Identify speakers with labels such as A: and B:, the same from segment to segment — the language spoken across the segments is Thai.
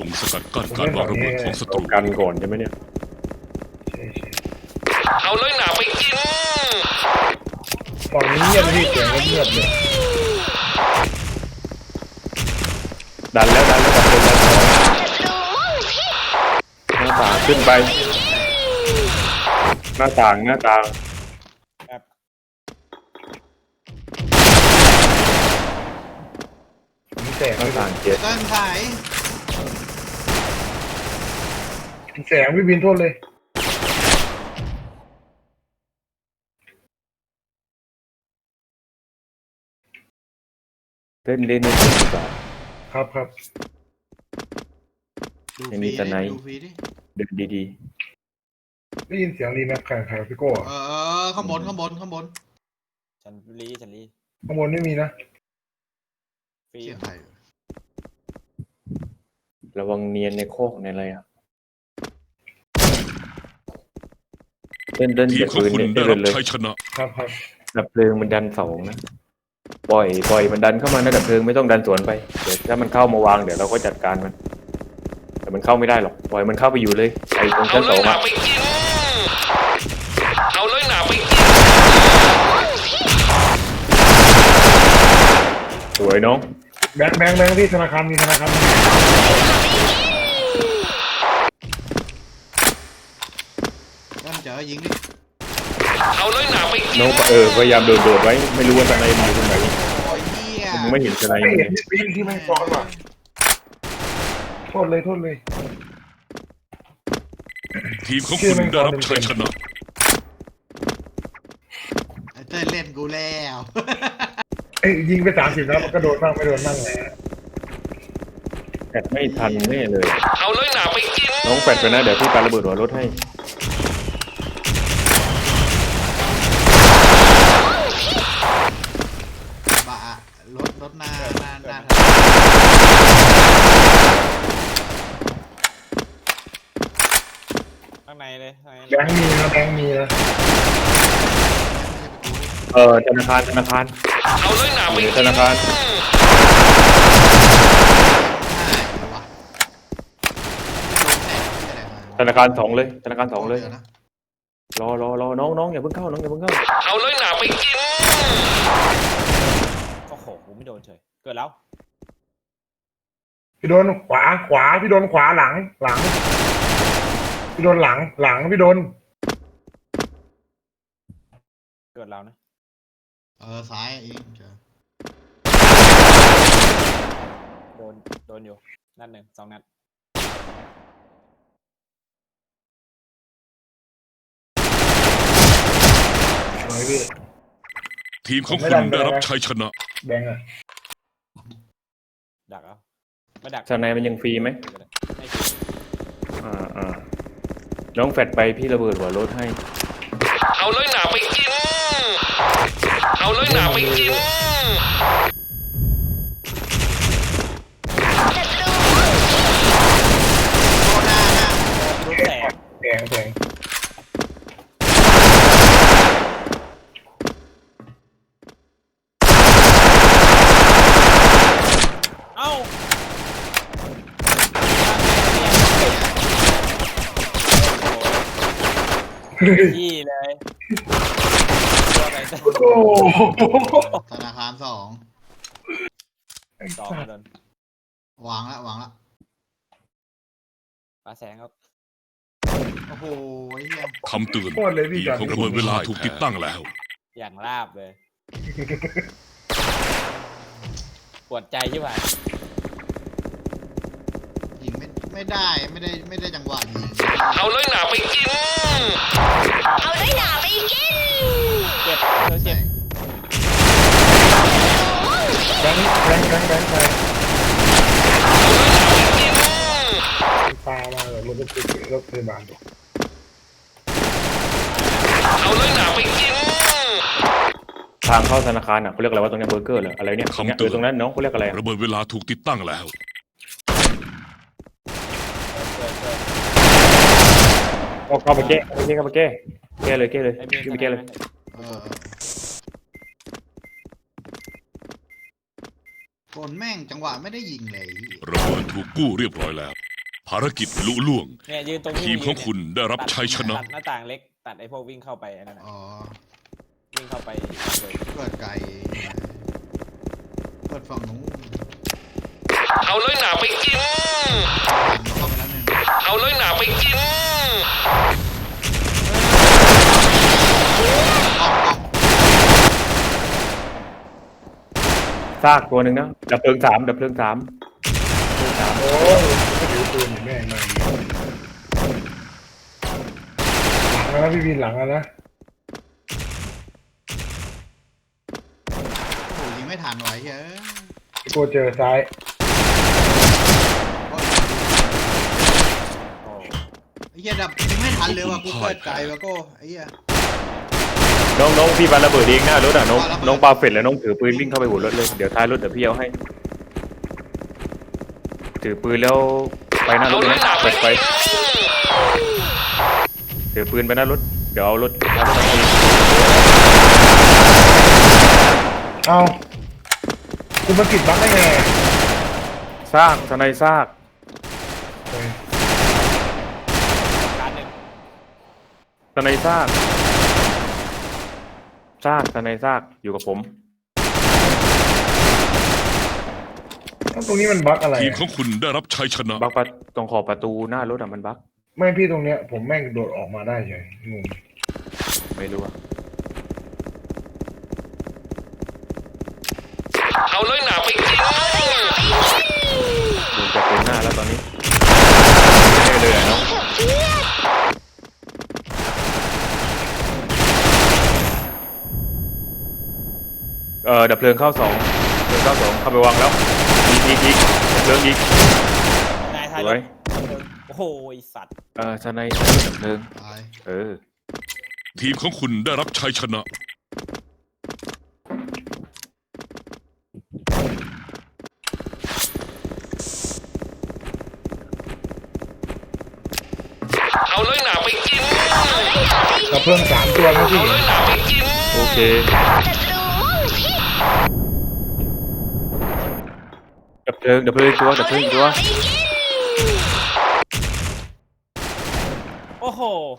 A: งสกัดกั้นการวางระเบิดของศัตรู
B: กันก่อนใช่ไหมเนี่ย
C: เอาเลยหนาไปกิน
D: ฝั่งนี้เงียบพี่เสียงเงียบเลย
B: ดันแล้วดันหน้าต่างขึ้นไปหน้าต่าง
D: มีแสง
B: หน้าต่างเจ็ด
E: ต้นสาย
D: มีแสงพี่บินโทษเลย
B: เล่นดีกว่า
D: ครับ
B: ยังมีแต่ไหน
E: ดูฟรีดิ
B: เดินดี
D: ได้ยินเสียงรีแม็กแข่งพี่โก้
E: ข้างบน
F: ฉันรี
D: ข้างบนไม่มีนะ
F: ฟรี
E: เสียงใคร
B: ๆระวังเนียนในโคกในอะไรอ่ะเดิน
A: ทีม
B: จาก
A: ของ
B: ปืน
A: คุณ
B: เนี่ย
A: ได้
B: เดิ
A: รั
B: น
A: บ
B: เลย
A: ชัยชนะ
D: ครับ
B: ดับเพลิงมันดัน2นะปล่อยมันดันเข้ามานะดับเพลิงไม่ต้องดันสวนไปเดี๋ยวถ้ามันเข้ามาวางเดี๋ยวเราก็จัดการมันแต่มันเข้าไม่ได้หรอกปล่อยมันเข้าไปอยู่เลยไอ้ตรง
C: เอา
B: ชั้น
C: เล
B: 2
C: ยหนา
B: อ่ะ
C: ไปกินเอาเลยหนาไปกิน
B: สวยน้อง
D: แบงค์ที่ธนาคารมีธนาคาร
E: ต้นเจอยิงดิ
C: เอาเลยหนาไปกิน
B: น้องพยายามโดดไว้ไม่รู้ว่าทนายมันอยู่ตรงไหน
E: โอ้ยเหี้ย
B: มึงไม่เห็นทนาย
D: ไม่
B: มัน
D: เห็
B: เล
D: น
B: ย
D: พี่บินที่ไม่ซ้อนว่ะโทษเลย
A: ทีมของคุณได้รับชัยชนะ
E: ไอ้เต้นเล่นกูแล้ว
D: ยิงไป30แล้วมันก็โดนบ้างไม่โดนบ้างแหละ
B: แฟดไม่ทันแน่เลย
C: เอาเลยหนาไปกิน
B: น้องแฟดไปนะเดี๋ยวพี่ปาระเบิดหัวรถให้
E: บะรถหน้า
F: ข้างในเลยข้างใน
D: แบงค์มีนะ
B: ธนาคาร
C: เอาเลยหนาไปกิน
B: ธนาคาร ธนาคาร2เลยธนาคาร2เลยรอน้องอย่าเพิ่งเข้า
C: เอาเลยหนาไปกิน
F: โอ้โหกูไม่โดนเฉยเกิดแล้ว
D: พี่โดนขวาพี่โดนขวาหลังพี่โดนหลังพี่โดน
F: เกิดแล้วนะ
E: ซ้ายเองเจอ
F: โดนอยู่นัดหนึ่ง2 นัด
D: ไหนพี่
A: ทีมของคุณได้รับชัยชนะ
D: แบงค์อะ
F: ดักเอาไม่ดัก
B: ทนายมันยังฟรีไหม
F: ไม่ฟรี
B: น้องแฟดไปพี่ระเบิดหัวรถให้
C: เอาเลยหนาไปกินเอาเลยหนาไปกิน
F: ลูกแตก
D: แสง
F: เอ้ายี่เลยตัวไหนจะ
D: โอ้โห
E: ธนาคาร2
F: 2โดน
E: วางละ
F: ปลาแสงครับ
E: โอ้โหเหี้ย
A: คำเตือน
D: โคตรเลยพี่
A: ทีม
D: จัน
A: ของระเบิดเวลาถูกติดตั้งแล้ว
F: อย่างลาบเลยปวดใจใช่ไหม
E: ยิงไม่ได้จังหวะยิง
C: เอาเลยหนาไปกินเอาเลยหนาไปกิน
F: เจ็บเจ็บ
D: แบงค์ไปปลามาเลยรถรถพยาบาล
C: เอาเลยหนาไปกิน
B: ทางเข้าธนาคารเขาเรียกอะไรว่าตรงนี้เบอร์เกอร์เหรออะไรเนี่ย
A: คำเตือน
B: ตรงนั้นน้องเขาเรียกอะไร
A: ระเบิดเวลาถูกติดตั้งแล้ว
B: เข้าไปแก้เลยขึ้นไปแก้เลย
E: คนแม่งจังหวะไม่ได้ยิงเลย
A: ระเบิดถูกกู้เรียบร้อยแล้วภารกิจลุล่วง
F: เนี่ยยืนตรง
A: ทีมของคุณได้รับชัยชนะ
F: ตัดหน้าต่างเล็กตัดไอ้พวกวิ่งเข้าไปอันนั้นน่ะ
E: อ๋อ
F: วิ่งเข้าไปเลย
E: เปิดไก่เปิดฝั่งนู้น
C: เอาเลยหนาไปกิน
E: เข้าไปแล้วหนึ่ง
C: เอาเลยหนาไปกิน
B: ซากตัวหนึ่งนะดับเพลิงสามดับเพลิงสาม
D: โอ้ยไม่ถือปืนอยู่แม่งมาหลังนะพี่วินหลังนะ
E: โอ้โหยิงไม่ทันไว้เฮ้ย
D: กูเจอซ้าย
E: ไอ้เหี้ยดับยิงไม่ทันเลยว่ะกูเปิดไก่แล้วก็ไอ้เหี้ย
B: น้องพี่ปาระเบิดเองหน้ารถอ่ะน้อง
E: ปาระเบิด
B: น้องปาเฟดแล้วน้องถือปืนวิ่งเข้าไปหัวรถเลยเดี๋ยวท้ายรถเดี๋ยวพี่เอาให้ถือปืนแล้วไปหน้าร
C: เอา
B: ถ
C: เล
B: เลย
C: ยหนา
B: นะ
C: ไป
B: เปิดไฟ
C: กิน
B: ถือปืนไปหน้ารถเดี๋ยวเอารถท้ายรถไป
D: เอากูมาติดบั๊กได้ไง
B: ซากทนายซาก
D: เฮ้ย
F: การหนึ่ง
B: ทนายซากทนายซากอยู่กับผม
D: ตรงนี้มันบั๊กอะไร
A: ทีมของคุณได้รับชัยชนะ
B: บักประตรงขอบประตูหน้ารถอ่ะมันบัก
D: ไม่พี่ตรงเนี้ยผมแม่งโดดออกมาได้เฉยงง
B: ไม่รู้อะ
C: เอาเลยหนาไปกิน
B: โดนจากปืนหน้าแล้วตอนนี้ไม่เลยอะน้องดับเพลิงเข้าสองเข้าไปวางแล้วอีกดับเพลิงอีก
F: นายท้าย
B: ส
F: ร
B: วย
F: ถโอ้โหไอ้สัตว์
B: ทนายดับเพลิง
E: ตาย
A: ทีมของคุณได้รับชัยชนะ
C: เอาเลยหนาไปกิน
D: กับเพื่อน3 ตัวนะพี่
C: เอาเลยหนาไปกิน
B: โอเคดับเพลิงอีกตัวดับเพลิงอีกตัว
F: โอ้โห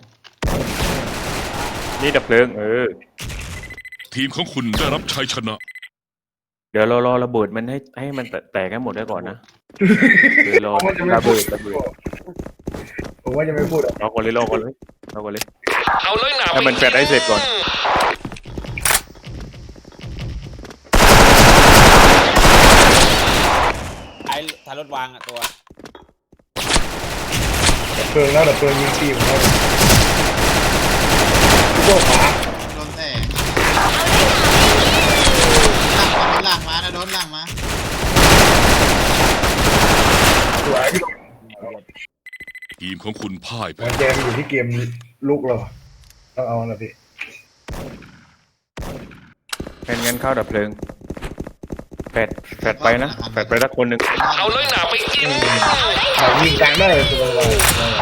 B: นี่ดับเพลิง
A: ทีมของคุณได้รับชัยชนะ
B: เดี๋ยวเรารอระเบิดมันให้มันแตกให้หมดได้ก่อนนะเดี๋ยวรอ
D: ผมว่าจะไม่
B: ระ
D: พู
B: เบิ
D: ด
B: ด
D: ผมว่าจะไม่พูดอ่ะ
B: รอก่อนเลย
C: เอาเลยหนาไป
B: ให้มันแฟดให้เสร็จก่อน
F: ไอ้ท้ายรถวางอ่ะตัว
D: ดับเพลิงแล้วดับเพลิงยิงตีผมแล้วโจ้ขวา
E: โดนแสงหลังมานะโดนหลังมา
D: สวยพี่
A: ทีมของคุณพ่ายแพ้
D: มันแจมอยู่ที่เกมลุกเราต้องเอานะพี่
B: งั้นเข้าดับเพลิงแฟดไปนะแฟดไปละคนหนึ่ง
C: เอาเลยหนาไปกิน
D: แต่ยิงกลางได้เลยสบาย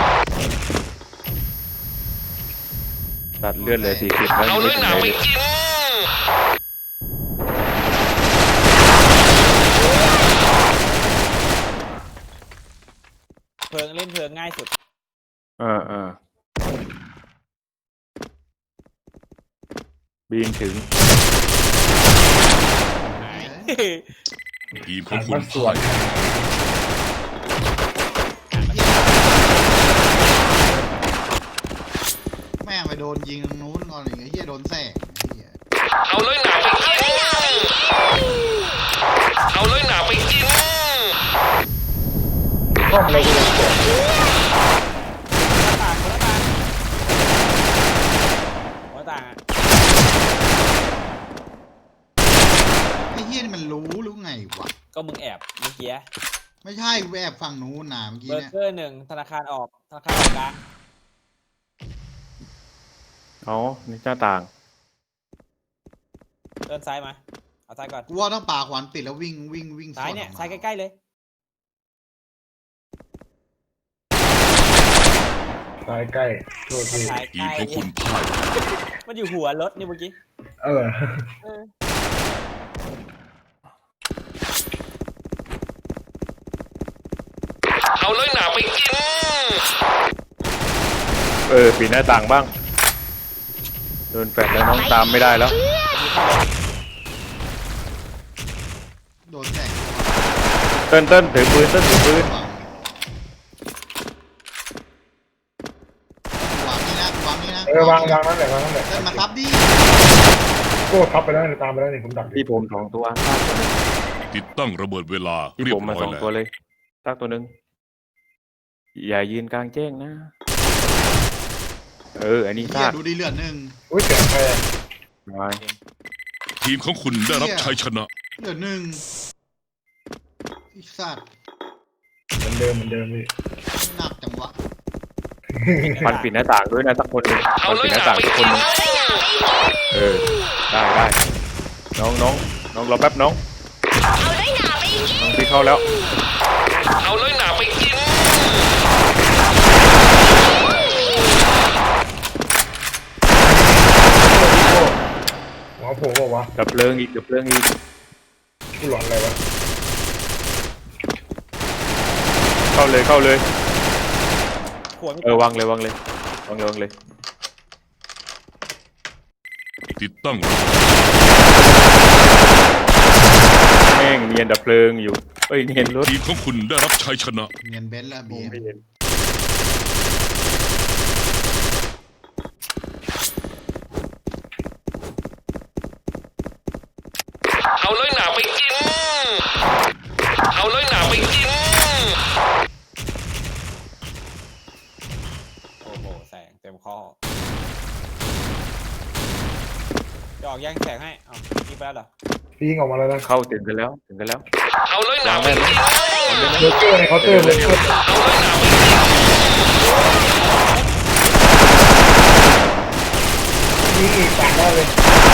B: ตัดเลือดเลย40แล้ว
C: เอา
B: ยัง
C: เล
B: ไม่
C: ย
B: ถึ
C: ห
B: ง
C: นา
B: ไหนเลย
C: ไปกิน
F: เพลิงเล่นเพลิงง่ายสุด
B: บีนถึง
F: หาย
A: ทีมข
D: หั
A: อง
D: น
A: คุ
D: มา
A: ณ
D: สว
A: พ่าน ย
E: แม่งไปโดนยิงตรงนู้นก่อนอย่างเงี้ยเหี้ยโดนแสงเหี้ย
C: เอาเลยหนาไปกิน เอาเลยหนาไปกิน
D: ห้องเราก็ยังสวย
F: หัวต่างอ่ะ
E: ไอ้เหี้ยนี่มันรู้หรือไงวะ
F: ก็มึงแอบเมื่อกี้
E: ไม่ใช่กูแอบฝั่งนู้นนะเมื่อกี้
F: เบอ
E: เนี่ย
F: ร์เกอร์1ธนาคารออกธนาคารออกกลาง
B: อ๋อนี่หน้าต่าง
F: เดินซ้ายมาเอาซ้ายก่อน
E: กูว่าต้องป่าขวานปิดแล้ววิ่ง
F: ซ้ายเนี่ย
E: สว
F: ซ้ายใกล้ๆเลย
D: ตายใกล้โทษที
F: ซ้าย
A: ที
F: ใก
A: ม
F: ล้
A: ของคุณพ่าย
F: มันอยู่หัวรถนี่เมื่อกี้
D: เออ
F: เออ
C: เอาเลยหนาไปกิน
B: ปิดหน้าต่างบ้างโดนแฟดแล้วน้องตามไม่ได้แล้ว
E: โดนแสง
B: เต้นถือปืน
E: วางนี่นะวางนี่นะ
D: วางนั่นแหละวางนั่นแหละ
E: เดินมาซับดิ
D: โก้ทับไปแล้วตามไปแล้วนี่ผมดัก
B: ที่ผม2 ตัว
A: ติดตั้งระเบิดเวลา
B: ที่
A: เรีย
B: ผ
A: บ
B: มมา
A: ร้อย
B: 2
A: แล้ว
B: ตัวเลยซากตัวหนึ่งอย่ายืนกลางแจ้งนะอันนี้
E: เฮีย
B: ซาก
E: ดูดีเหลือหนึ่ง
D: อุ้ยเสียงใครอ่ะ
B: มา
A: ทีมของคุณได้รับชัยชนะ
E: เหลือหนึ่งไอ้สัตว์
D: เหมือนเดิมพี่
E: หนักจังวะ
B: มันปิดหน้าต่างด้วยนะสักคนหนึ่ง
C: เอา
B: มัน
C: เล
B: ปิ
C: ย
B: ด
C: ห
B: หน้า
C: นา
B: ต่าง
C: ไป
B: สักค
C: กิ
B: น
C: น
B: หนึ่งได้น้องรอแป๊บน้องพี่เข้าแล้ว
C: เอาเลยหนาไปกิน
D: หัวโผล่บอกว่า
B: ดับเพลิงอีก
D: กูหลอนอะไรวะ
B: เข้าเลย
F: ขวดไม่
B: วางเลย
A: ติดตั้ง
B: แม่งเนียนดับเพลิงอยู่เนียนรถ
A: ทีมของคุณได้รับชัยชนะ
E: เงียนเบนซ์ละบี
B: ไม่เห็น
C: เอาเลยหนาไปกิน เอาเลยหนาไปกิน
F: โอ้โหแสงเต็มข้อจะออกแย่งแสงให้เอายิงไปแล้วเหรอ
D: พี่ยิงออกมาแล้วนะ
B: เข้าถึงกันแล้ว
C: เอาเลยหนาไปกิน
D: เบอร์เกอร์ในเคาน์เตอร์เลย
C: เอาเลยหนาไปกิน
D: ยิงอีกต่างได้เลย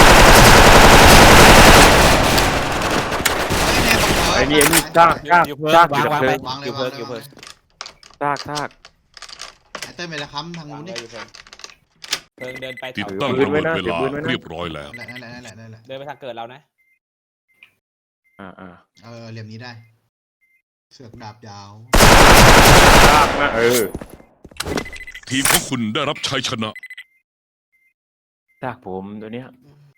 B: ไอ้นี่ซากอยู่ดับเพลิง
E: วางเลย
B: ซาก
E: ไอ้เต้ยไปละค้ำทาง
F: วาง
E: นู้น
F: เล
E: ดิ
F: ยอยู่เพิ่งเดินไป
A: ติด
F: แถว
A: ตั้งระเบิดเวลาเรียบร้อยแล้ว
E: นั่นแหละ
F: เดินไปทางเกิดเรานะ
E: เหลี่ยมนี้ได้ เสือกดาบยาว
B: ซากนะ
A: ทีมของคุณได้รับชัยชนะ
B: ซากผมตัวเนี้ย
E: เ